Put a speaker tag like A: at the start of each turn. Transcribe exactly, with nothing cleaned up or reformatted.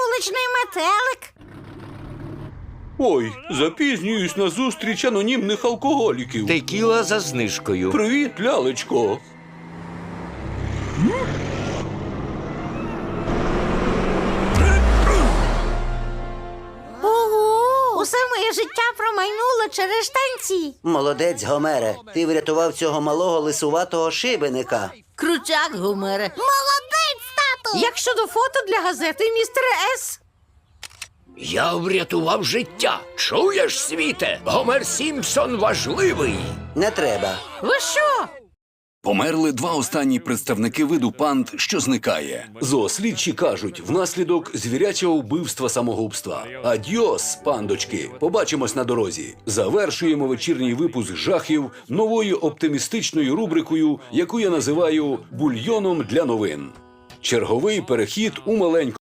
A: вуличний метелик.
B: Ой, запізнююсь на зустріч анонімних алкоголіків.
C: Текіла за знижкою.
B: Привіт, лялечко.
A: Ого! Усе моє життя промайнуло через штанці.
D: Молодець, Гомере. Ти врятував цього малого лисуватого шибеника.
A: Крутяк, Гомере. Молодець, тату! Як щодо фото для газети, містере С?
C: Я врятував життя. Чуєш, світе? Гомер Сімпсон важливий.
D: Не треба.
A: Ви що?
E: Померли два останні представники виду панд, що зникає.
B: Зоослідчі кажуть, внаслідок звірячого вбивства-самогубства. Адьос, пандочки. Побачимось на дорозі. Завершуємо вечірній випуск жахів новою оптимістичною рубрикою, яку я називаю «Бульйоном для новин». Черговий перехід у маленьку